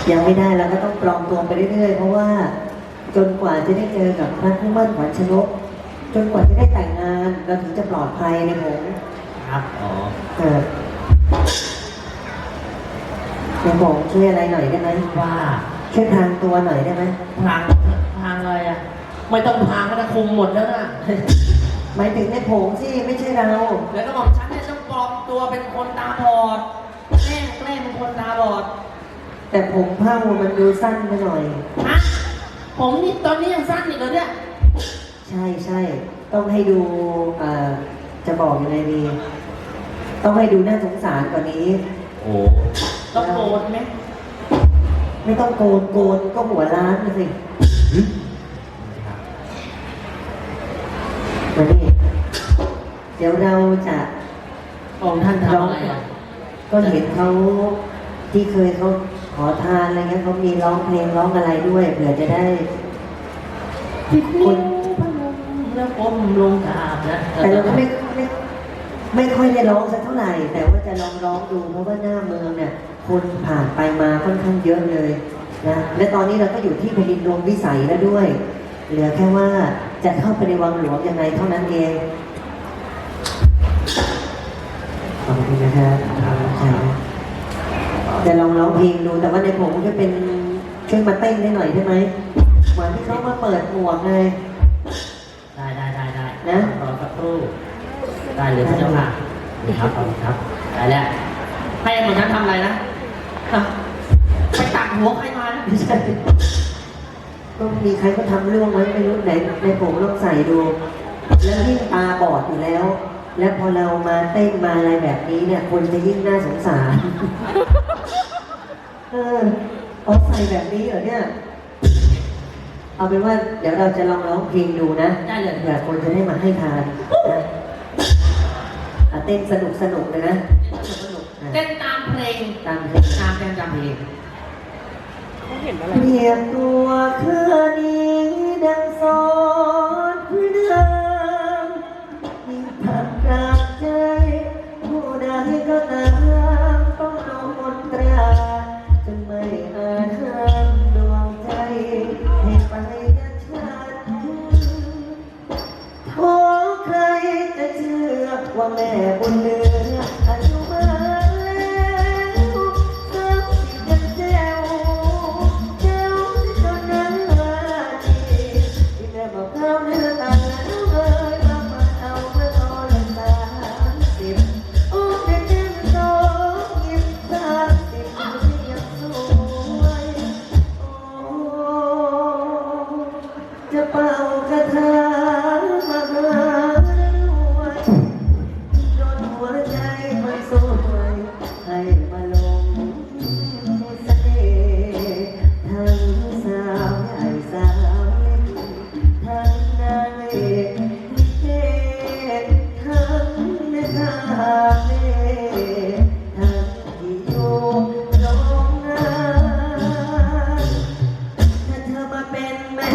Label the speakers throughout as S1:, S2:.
S1: ยังไม่ได้เราก็ต้องปลอมตัวไปเรื่อยๆเพราะว่าจนกว่าจะได้เจอกับพระผู้มั่นขวัญชนกจนกว่าจะได้แต่งงานเราถึงจะปลอดภัยในผม
S2: ครับอ๋อ
S1: ในผมช่วยอะไรหน่อยได้ไหม
S2: ว่า
S1: ช่วยพรางตัวหน่อยได้ไหม
S2: พางอะไรอ่ะไม่ต้องพางก็ได้คุมหมดแล้วนะ
S1: หมายถึงในผมสิไม่ใช่เรา
S2: แล้วก็บอกฉันเนี่ยต้องปลอมตัวเป็นคนตาบอดแกล้งเป็นคนตาบอด
S1: แต่ผมเผ้ามันดูสั้นไปหน่อย
S2: ฮะผมนี่ตอนนี้ยังสั้นอีกเหรอเนี่ย
S1: ใช่ต้องให้ดูจะบอกยังไงดีต้องให้ดูน่าสงสารกว่านี้
S2: โอ้ต้องโกนไหม
S1: ไม่ต้องโกนก็หัวล้านสิมานี่เดี๋ยวเราจะ
S2: องค์ท่านทำอะไร
S1: ก็เห็นเขาที่เคยเขาขอทานอะไรเงี้ยเขามีร้องเพลงร้องอะไรด้วยเผื่อจะได้
S2: คนพนมแล้วก้มลงกราบนะ
S1: แต่เราก็ไม่ค่อยได้ร้องสักเท่าไหร่แต่ว่าจะร้องดูเพราะว่าหน้าเมืองเนี่ยคนผ่านไปมาค่อนข้างเยอะเลยนะและตอนนี้เราก็อยู่ที่แผ่นดินดวงวิสัยแล้วด้วยเหลือแค่ว่าจะเข้าไปในวังหลวงยังไงเท่านั้นเองขอบคุณนะครับจะลองร้องเพลงดูแต่ว่าในผมจะเป็นช่วยมาเต้นได้หน่อยได้ไหมเหมือนที่เขามาเปิดหมวกไง
S2: ได้นะรอสักครู่ได้เลยพระเจ้าค่ะครับขอบคุณครับได้แล้วให้เหมือนนั้นทำอะไรนะไปตักหัวใครมานะ
S1: ไม่ใช่ก็มีใครก็ทำเรื่องไว้ไม่รู้ไหนในผมลองใส่ดูแล้วยิ่งตาบอดอยู่แล้วและพอเรามาเต้นมาอะไรแบบนี้เนี่ยคนจะยิ่งน่าสงสารเอาใส่แบบนี้เหรอเนี่ยเอาเป็นว่าเดี๋ยวเราจะลองร้องเพลงดูนะ
S2: ได้เลย
S1: เผื่อคนจะได้มาให้ทานนะเต้นสนุกเลยนะ
S2: เต้นตามเพลง
S1: ตามเพลง
S2: ตามเพลง
S1: เขาเห็นอะไรเรียกตัวคืนนี้ดังสอนพื้นเดิมยิ่งผักกลางใจผู้ใดก็ตามต้องโดนตราจนไม่อาจห้ามดวงใจให้ไปดังฉันโอ้ใครจะเชื่อว่าแม่บุญเหลืออายุมากจะเป่ากระทะมาหาด้วยจนหัวใจมันสวยให้มาลงเสน่ห์ทั้งสาวใหญ่สาวเล็กทั้งนางเอกลิเกทั้งแม่ค้าเล่ทั้งที่อยู่โรงงานถ้าเธอมาเป็นแม่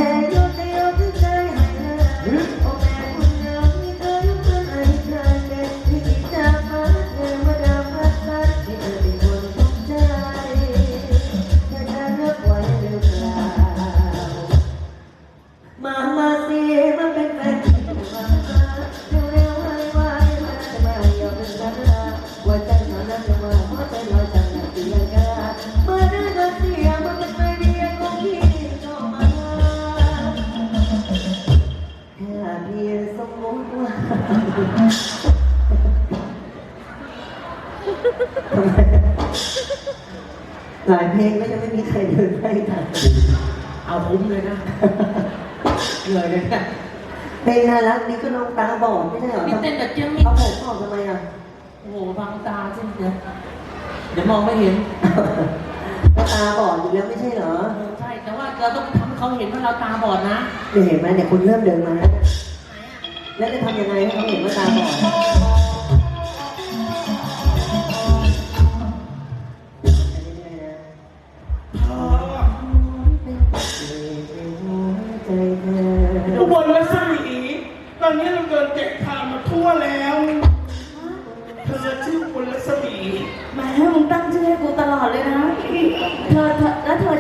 S1: หลายเพลงก็ยังไม่มีใครเดินได้ทัน
S2: เอาคุ้มเลยนะเลยนะ
S1: เพลงน่ารักนี่ก็น้องตาบอดไม่ใช่เหรอ
S2: เต้นแบบเจ้า
S1: เอาผมออกทำไมอ่ะ
S2: โอ้โหบังตาจริงเดี๋ยวมองไม่เห็น
S1: ก็ตาบอดอยู่แล้วไม่ใช่เหรอ
S2: ใช่แต่ว่าเราต้องทำเขาเห็นว่าเราตาบอดนะ
S1: เห็นไหมเนี่ยคุณเริ่มเดินมาแล้วจะทำยังไงให้เขาเห็นว่าตาบอด
S3: อุบลรัศมีตอนนี้เราเดินแจกทางมาทั่วแล้วเธอชื่ออุบลรัศมี
S4: แม่มึงตั้งชื่อให้กูตลอดเลยนะเธอแล้วเธอ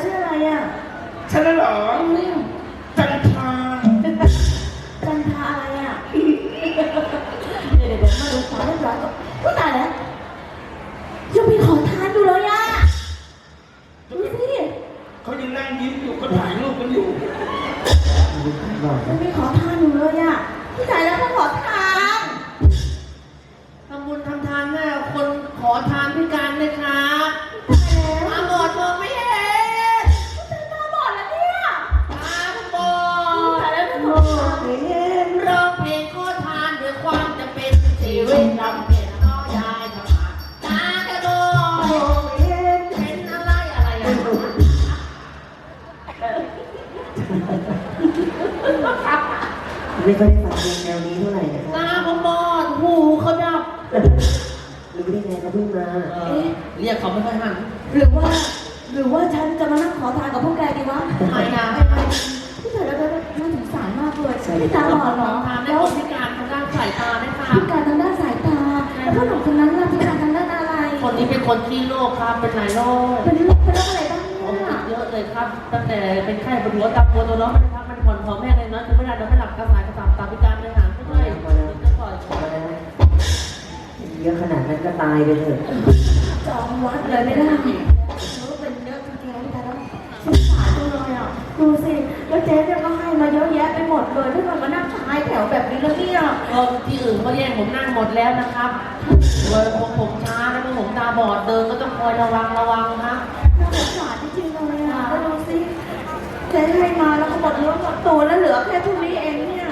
S3: ฉันน่ะเหรอจันทรา
S4: จันทาอะไรอ่ะเดี๋ยวมาดูสาวเรียบร้อยก็ผู้ตายแล้วยังมีขอทานอยู่เลยอ่ะดูสิ
S3: เขายังนั่งยิ้มอยู่ก็ถ่ายรูปกันอยู่
S4: ยังมีขอทานอยู่เลยอ่ะผู้ตายแล้วก็ขอทาน
S2: ทำบุญทำทานแม่คนขอทานพิการเลยครับ
S4: ตายแล้ว
S2: มาบอดมองไม่เห็น
S4: ผู้ตายตาบอดแล้วเนี่ย
S2: ตาบอ
S4: ตาย
S2: ด
S4: แล้วก็ขอทาน
S2: ร้องเพลงขอทานด้วยความจะเป็นชีวิตลำเพ็ญน้อยายทำมาตากระโดดเป็นอะไรอะไรอะ
S1: ไม่ค่อยได้ฟังเพลงแนวนี้เท่าไหร่นะครับ
S2: ตาผมบอดหูเขาดับ
S1: รู้ได้ไงเขาเพิ่งมา
S2: เรียกเขาไม่ค่อยหัน
S4: หรือว่าฉันจะมานั่งขอทานกับพวกแกดีวะ
S2: ไม่นะ
S4: ผู้ตายแล้วก็น่าสงสารมากเลยพี่ตาบอดเหรอ
S2: ทานได้
S4: แล้ว
S2: คนพิการทางด้านสายตาได้ค่ะ
S4: พิการทางด้านสายตา แล้วพ่อหนุ่มคนนั้นล่ะพิการทางด้านอะไร
S2: คนนี้เป็นคนที่โรคครับเป็นหลายโรค
S4: เป็นโรคอะไรบ้าง
S2: ผม
S4: เนี่ย
S2: ติดเยอะเลยครับ ตั้งแต่เป็นไข้ปวดหัวตับปวดตัวน้องมันพักมันผ่อนพอแม่เลยนะถึงไม่ได้นอนไม่หลับกระสายกระสับตาพิการเลยหางไม่ได้จะปล่อย
S1: เยอะขนาดนั้นก็ตายไปเถอะ
S4: จองวัดเลยไม่ได้รู้เป็นเยอะจริงๆพี่ตาแล้วสงสารจังเลยอ่ะดูสิแล้วเจ๊เนี่ยก็ให้มาเยอะแยะไปหมดเลยถ้าเกิดมานั่งท้ายแถวแบบนี้แล้วเนี่ย
S2: ก็ที่อื่นเขาแย่งผมนั่งหมดแล้วนะครับเลยผมช้าแล้วก็ผมตาบอดเดินก็ต้องคอยระวังครับ
S4: น่าสงสารจริงๆเลยอ่ะแล้วดูสิเจ๊ให้มาแล้วก็หมดเนื้อหมดตัวแล้วเหลือแค่เท่านี้เองเนี่ย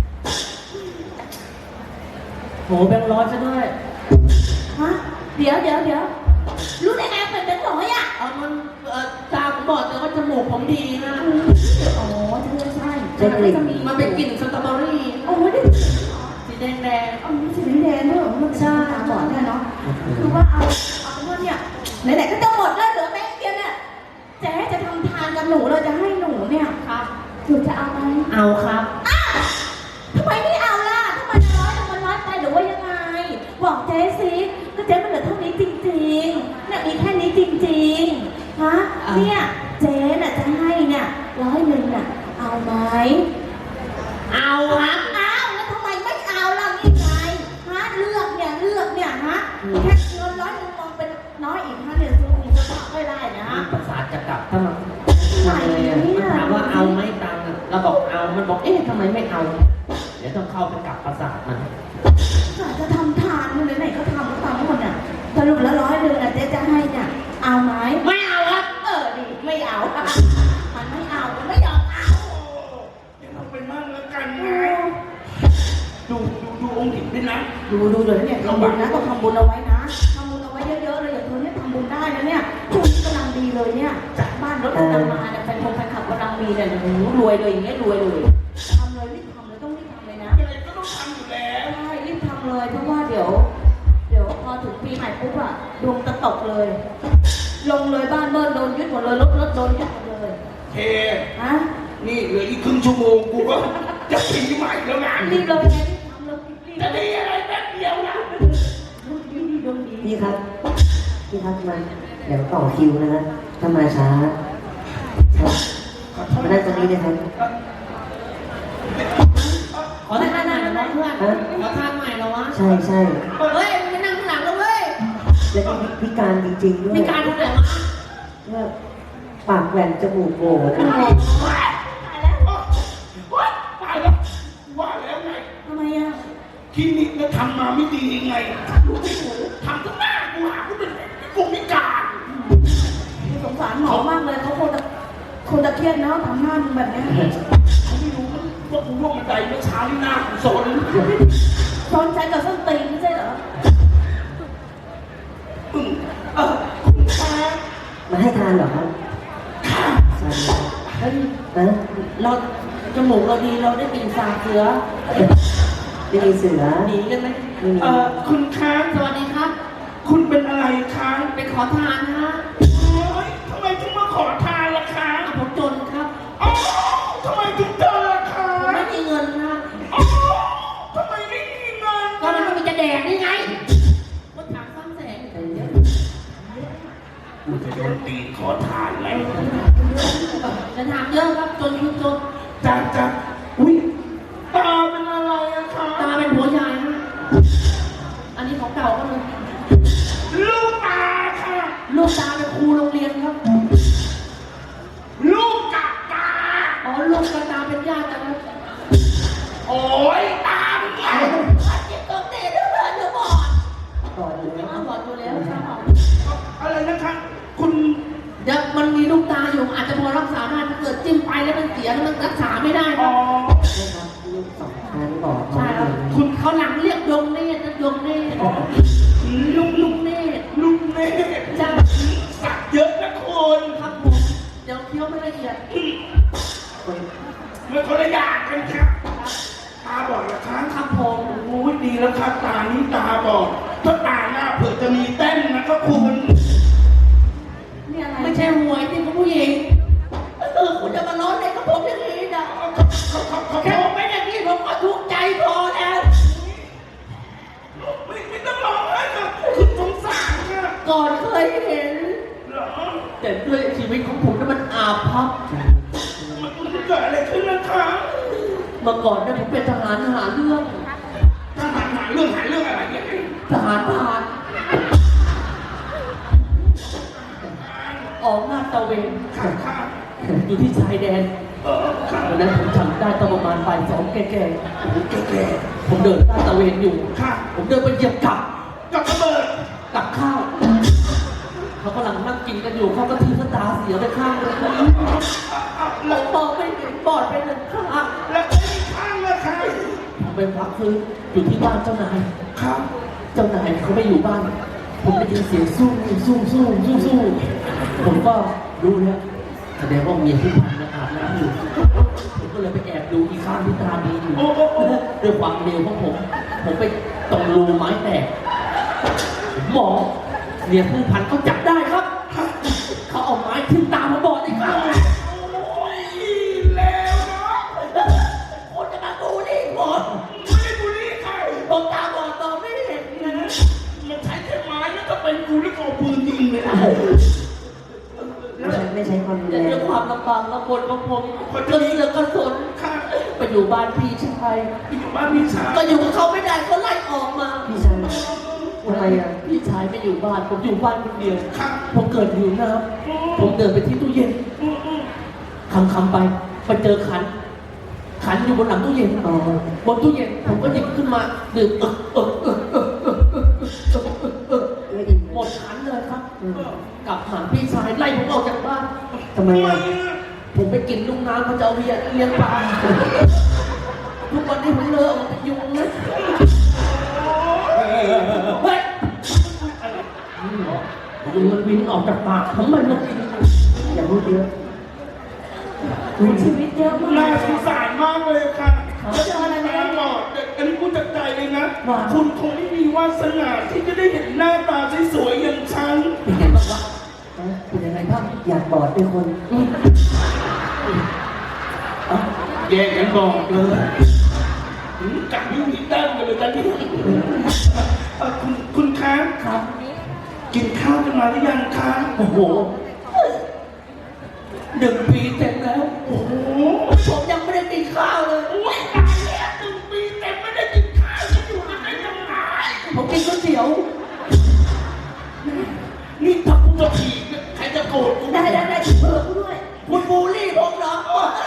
S2: โหแบงค์ร้อยซะด้วย
S4: ฮะเดี๋ยวรู้ได้ไงเป็นเป็นร้อยอ่ะ
S2: เอามันตาผมบอดแต่ว่าจมูกผมดีนะ
S4: อ๋อใช่จะมี
S2: มันเป็นกลิ่นสตรอเบอรี่
S4: โอ้ยได้
S2: สีแดง
S4: เอาสีแดงด้วยมันใช่ตาบอดเนี่ยเนาะคือว่าเอาเป็นว่าเนี่ยไหนๆก็จะหมดแล้วเหลือแบงค์เดียวเนี่ยเจ๊จะทำทานกับหนูเราจะให้หนูเนี่ย
S2: ๆครับ
S4: หนูจะเอาไหม
S2: เอาครับ
S4: ทำไมไม่เอาล่ะทำไมมันน้อยไปหรือว่ายังไงบอกเจ๊สิก็เจ๊มันเหลือเท่านี้จริงๆเนี่ยมีแค่นี้จริงๆฮะเนี่ยเจ๊น่ะจะให้เนี่ย100น่ะเอาไหม
S2: เอาครับ
S4: เอาแล้วทำไมไม่เอาล่ะนี่ไงฮะเลือกเนี่ยฮะแค่เงิน100มองเป็นน้อยอีก5เดือนซื้อมีสภาพไม่ได้นะ
S2: ประสาทจะกลับถ้ามัน
S4: ไหนเนี่ย
S2: ถามว่าเอาไหมตังค์อะเราบอกเอา มันบอกเอ๊ะทำไมไม่เอา เดี๋ยวต้องเข้าไปกลับประสาทมัน
S4: จะทำทานมันไหนๆก็ทำก็ทำหมดอ่ะสรุปแล้ว100อ่ะเจ๊จะให้เนี่ยเอาไหม
S2: ไม่เอาครับ
S4: ดิไม่เอามันไม่เอามันไม่ยอมเอา
S3: เดี๋ยวเราไปมั่งแล้วกันนะดูองค์หญิงด้วยนะ
S4: ดูเดี๋ยวเนี่ยทำบุญนะต้องทำบุญเอาไว้นะทำบุญเอาไว้เยอะๆเลยอย่างเธอเนี่ยทำบุญได้นะเนี่ยช่วงนี้กำลังดีเลยเนี่ยจากบ้านรถกำลังมาเนี่ยแฟนขับกำลังมีเนี่ยรวยเลยอย่างเงี้ยรวยเลยทำเลยรีบทำเลยต้องรีบทำเลยนะ
S3: อะไรก็ต้องทำอยู่แล้ว
S4: ใช่รีบทำเลยเพราะว่าเดี๋ยวพอถึงปีใหม่ปุ๊บอะดวงจะตกเลย ลงเลยบ้านเบิ้ลโดนยึดหมดเลยรถโดนยึดหมดเลย
S3: เค
S4: ฮะ
S3: นี่เหลืออีกครึ่งชั่วโมงกูก็จะปีใหม่แล้วงาน
S4: รีบเลยไงรีบทำเลยรีบ
S3: จะดีอะไรแป๊บเดียวนะ
S4: ดวงดี
S1: พี่ครับมาเดี๋ยวต่อคิวนะฮะถ้ามาช้ามานั่งตรงนี้เลยครับ
S2: ขอทานใหม่เหรอวะเพื่อนขอทานใหม่เหรอวะ
S1: ใช่
S2: เฮ้ยมึงไปนั่งข้างหลังแล้วเว้ย
S1: แล้วก็พิการจริงๆด้วย
S2: มีการทำอะไรวะ
S1: ว่าปากแหว่งจมูกโหว่นะ
S4: ตายแล้ว
S3: ตายแล้วว่าแล้วไง
S4: ทำไมอะ
S3: คลินิกเนี่ยทำมาไม่ดียังไงรู้ไม่ถูกทำทุกหน้ากูหากูเป็นกูพิการ
S4: สงสารหมอมากเลยเขาคงจะเครียดนะทำหน้ามึงแบบเนี้ย
S3: เขาไม่รู้ว่ากูร่วงบันไดเมื่อเช้านี่หน้ากูสน
S4: ซ้อนใจกับส้นตีนไม่ใช่เหรอ
S3: คุณแม่
S1: มาให้ทานเหรอครับใช่ครับ
S2: เฮ้ย
S1: นะ
S2: เราจมูกเราดีเราได้กลิ่นสาบเสือ
S1: ไม่มีเสือ
S2: หนีกันไหม
S1: ไม่มี
S3: คุณค้าง
S2: สวัสดีครับ
S3: คุณเป็นอะไรค้าง
S2: เป็นขอทานฮะ
S3: โอ๊ยทำไมถึงมาขอทานล่ะค้าง
S2: ผมจนครับ
S3: อ๋อทำไมถึงเจอล่ะค้า
S2: ผม
S3: ง
S2: ไม่มีเงินนะ
S3: อ๋อทำไมไม่มีเงิน
S2: ก็มันไม่มีจะแดกนี่ไงรถถังซ้ำแสง
S3: กูจะโดนตีขอทานอะไร
S2: จะถามเยอะครับจนคุณจน
S3: จ้าอุ้ยตาเป็นอะไรอะคะ
S2: ตาเป็นหัวใหญ่ฮะอันนี้ของเก่าก็เลย
S3: ลูกตาค่ะ
S2: ลูกตาเป็นครูโรงเรียนครับ
S3: ลูกกับตา
S2: อ๋อลูกกับตาเป็นญาติกันครับ
S3: โอ้ยตาเนี่ย
S2: เจ็บตรงเตะด้วยเดี๋ยวบอด
S1: ก่อนอยู่แล้ว
S2: บอดอยู่แล้วครับ
S3: อะไรนะคะคุณ
S2: เดี๋ยวมันมีลูกตาอยู่อาจจะพอรักษาได้ถ้าเกิดจิ้มไปแล้วมันเสียแล้วมันรักษาไม่ได้ค
S3: อ๋
S2: รั
S3: อบ
S1: นะครับลูกสองชั้นบอก
S2: ใช่ครับ
S3: คุณ
S2: เขาหลังเรียกยงเนตรนะยงเนตรลุงเนตร
S3: ลูกเน่
S2: จ้า
S3: สักเยอะนะคุณ
S2: ครับผมเดี๋ยวเคี้ยวไม่ละเอียด
S1: คน
S3: มันคนละอย่างกันครับตาบอดเหรอคะ
S2: ครับผม
S3: โอ้ยดีแล้วครับตานี้ตาบอดถ้าตาหน้าเผื่อจะมีเต้นนะครับคุณ
S4: นี่อะไร
S2: ไม่ใช่หวยที่คุณผู้หญิงคุณจะมาล้อเล่นกับผมอย่างนี้นะ
S3: เขา
S2: แค่ผมเป็นอย่างนี้ผมก็ทุกข์ใจพอแล้ว
S3: ไม่ต้องร้องไห้ครับคือสงสารค่ะ
S2: ก่อนเคยเห็น
S3: เหรอ
S2: แต่ด้วยชีวิตของผมนั้นมันอาภัพ
S3: มันเกิดอะไรขึ้นนะคะ
S2: เมื่อก่อนเนี่ยผมเป็นทหารหาเรื่อง
S3: ถ้าหาเรื่องอะไรเนี่ย
S2: ทหารผ่านออกหน้าตระเวน
S3: ค่ะ
S2: อยู่ที่ชายแดน
S3: ค่ะ
S2: วันนั้นผมจำได้ตอนประมาณบ่ายสองแก่
S3: แก่
S2: ๆผมเดินหน้าตระเวนอยู่
S3: ค่ะ
S2: ผมเดินไปเหยียบกับ
S3: กับระเบิด
S2: กับข้าวเขากำลังนั่งกินกันอยู่เขาก็ทิ้งตาเสียไปข้างเลย
S3: แล้ว
S2: มองไม่เห็นบอดไปหนึ่งข้าง
S3: แล้วก็อีกข้างละค่ะ
S2: ผมไปพักฟื้นอยู่ที่บ้านเจ้านาย
S3: ครับ
S2: เจ้านายเขาไม่อยู่บ้าน ผมได้ยินเสียงสู้ผมก็รู้แล้วแสดงว่าเมียที่พันนะอาบน้ำอยู่ผมก็เลยไปแอบดูอีกข้างที่ตาดีอยู่ด้วยความเร็วของผมไปตรงรูไม้แตกผมมองเมียผู้พันเขาจับได้ครับ เขาเอาไม้ทิ้งตาผมบอดอีกครั้ง
S3: โอ้ยแล้วเนาะ
S2: คนจะมาบูลลี่ผม
S3: ไม่ได้บุรีใคร
S2: ผมตาบอดต่อไม่เห็นนะ
S3: มันใช้แค่ไม้แล้วก็เป็นกูแล้วก็เอาปืนยิงเลยนะ
S1: ไม่ใช้ความรุน
S2: แต่
S1: แร
S2: ด้วย
S1: ง
S2: ความลำบากลำบนของผมก็เสือกกระสน
S3: ค่ะ
S2: ไปอยู่บ้านพี่ชาย
S3: อยู่บ้านพี่ชาย
S2: ก็อยู่กับเขาไม่ได้ก็ไล่ออกมา
S1: พี่ชายทำไมอ่ะ
S2: พี่ชายไม่อยู่บ้านผมอยู่บ้านคนเดียว
S3: ค่ะ
S2: ผมเกิดหิวน้ำผมเดินไปที่ตู้เย็นคำไปเจอขันอยู่บนหลังตู้เย็นบนตู้เย็นผมก็หยิบขึ้นมาดื่มหมดขันเลยครับกลับหาพี่ชายไล่ผมออกจากบ้าน
S1: ทำไมอ่ะ
S2: ผมไปกินลูกน้ำเขาจะเอาเลี้ยงปลาทุกวันนี้ผมเลิกเอาไปยุงนะเฮ้ยยุงมันบินออกจากปากผมมันกิน
S1: อย่าพูดเยอะ
S4: ชีวิตเยอะมาก
S3: น่าสงสารมากเลยค่ะ
S4: เจออะไรไหม
S3: ตาบอดอันนี้พูดจากใจเลยนะ คุณคงไม่มีวาสนาที่จะได้เห็นหน้าตาสวยๆอย่างฉัน
S2: เป็นไงบ้างวะ
S1: เป็นยังไงบ้างอยากบอดด้วยคน
S3: แยกกันบอกเลยกัดยิ้มหนีแต้มกันเลยกันนี่คุณคะ
S2: ครับ
S3: กินข้าวกันมาหรือยังคะ
S2: โอ้โห1 ปีเต็มแล้ว
S3: โอ้โห
S2: ผมยังไม่ได้กินข้าวเลย
S3: โอ้ยตายแล้ว1 ปีเต็มไม่ได้กินข้าวจะอยู่กันได้ยังไง
S2: ผมกินก๋วยเตี๋ยว
S3: นี่ถ้ากูจะผีใครจะโกรธกู
S4: ได้เผื่อกูด้วย
S2: คุณบูลลี่ผมเหรอ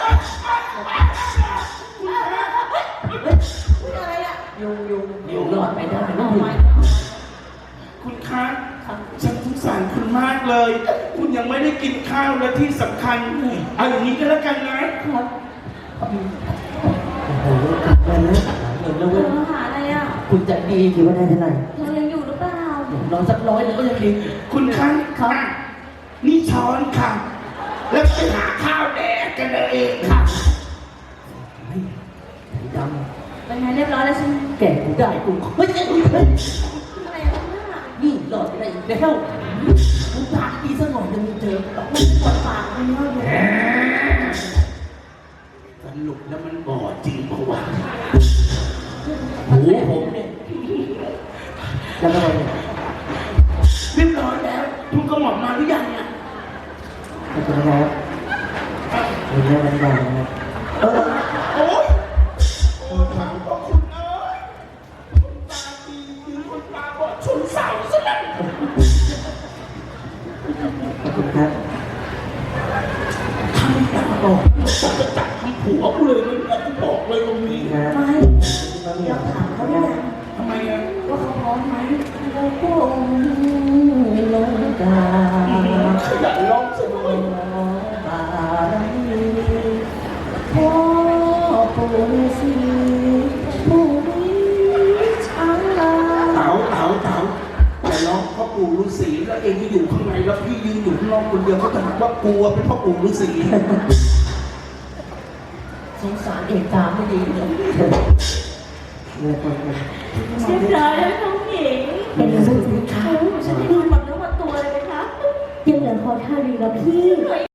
S4: พูดอะไรอ่ะ
S2: ยุงอยู่รอดไปได้ไม่ถึง
S3: คุณคะฉันสงสารคุณมากเลย คุณยังไม่ได้กินข้าวและที่สำคัญเอาอย่างนี้ก็แล้วกันนะ
S2: ครับ
S1: โอ้โหกลับมาแล้ว
S2: เงินแล้ว
S4: เธ
S2: เว้ย
S4: อหาอะไรอ่ะ
S2: คุณจะดี
S1: คิดว่าได้เท่าไหร่
S4: เธอยังอยู่หรือเปล่า
S2: นอนสัก100ก็ยังดี
S3: คุณคะ
S2: ครับ
S3: นี่ช้อนค่ะ แล้วไปหาข้าวแดกกันเองค่ะ
S2: เฮ้ยด
S4: เป็นไงเรียบร้อยแล้วใช่ไหม
S2: ำแก่กูได้กูเฮ้ย
S4: อะไรอ่ะเนี่ย
S2: นี่หลอดไปได้อีกแล้วกูปากดีสักหน่อยนึงเจอ
S4: มันปวดปากมันเยอะอยู่
S3: สรุปแล้วมันบอดจริงปะวะ
S2: หูผมเนี่ย
S1: แล้วก็ไป
S3: เรียบร้อยแล้ว คุณกระหม่อมมาหรือยังเนี่ย
S1: ขอบคุณนะครับ
S3: เ
S1: เห็นแล้วมันดังนะเออ
S3: โอ๊ยโอ้ถามพ่อคุณเอ้ยคนตาดีคือคนตาบอดชนเสาซะแล้ว
S1: ขอบคุณครับ
S3: ทำตาบอดจะจัดทำผัวกูเลยนะกูบอกเลยตรงนี้
S1: นะ
S4: ไม่เราถามเขาได้ยัง
S3: ทำไมอ่ะ
S4: ว่าเขาพร้อมไหม
S1: เราคงลงดา
S3: ขยันร้องซะด้วย
S1: บารมีพ่อปู่ฤาษีผู้มีชา
S3: เต๋าแต่ร้องพ่อปู่ฤาษีแล้วเองที่อยู่ข้างในแล้วพี่ยืนอยู่ข้างนอกคนเดียวเขาจะถามว่ากลัวเป็นพ่อปู่ฤาษี
S2: สงสารเอกตาไม่ดีเลย
S1: เมื่อคนเป็น
S4: เรียบร้อยแล้วน้องหญิง
S5: เป็นเรื่องสิคะ
S4: ฉันได้ดูหมดเนื้อหมดตัวเลยไหมคะ
S5: ยังเหลือขอท่าดีกับพี่